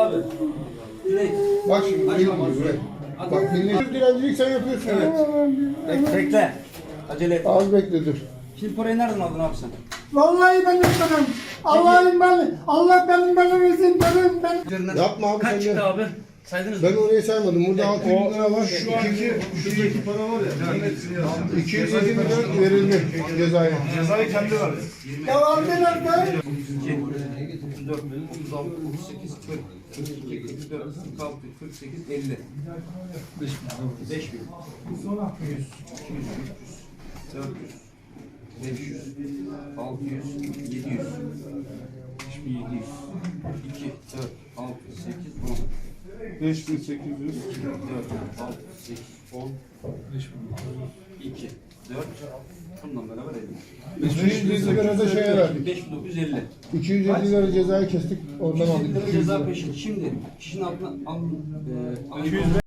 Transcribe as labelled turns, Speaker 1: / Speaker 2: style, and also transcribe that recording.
Speaker 1: abi. Dilek.
Speaker 2: Bak şimdi buraya. Bak millet dilencilik sen yapıyorsun.
Speaker 1: Evet. Bekle. Acele et.
Speaker 2: Az bekle dur.
Speaker 1: Şimdi parayı nereden aldın abi sen?
Speaker 3: Vallahi ben istemem. Allah benim bana versin benim.
Speaker 1: Üzerinden
Speaker 2: Yapma abi
Speaker 1: kaç
Speaker 2: sen
Speaker 1: çıktı
Speaker 2: de.
Speaker 1: abi? Saydınız mı?
Speaker 2: Ben orayı saymadım. Burada 600 bin lira var.
Speaker 4: Şu şuradaki para var ya.
Speaker 2: 207 milyon verildi cezaya.
Speaker 4: Cezayı kendi verdi.
Speaker 3: Devam ederken
Speaker 1: 34, 36, 38, 40, 42, 44, 46, 48, 50. 5 bin. 100, 200, 300, 400, 500, 600, 700, 700, 2, 4, 6, 8, 10.
Speaker 4: 5800.
Speaker 1: 4, 6, 8, 10, 2, 4, bundan beraber 50.
Speaker 2: 250 lira da şeye verdik.
Speaker 1: 5950.
Speaker 2: 250 lira cezayı kestik. Ondan
Speaker 1: 150
Speaker 2: aldık.
Speaker 1: lira ceza peşin. Şimdi kişinin altına 200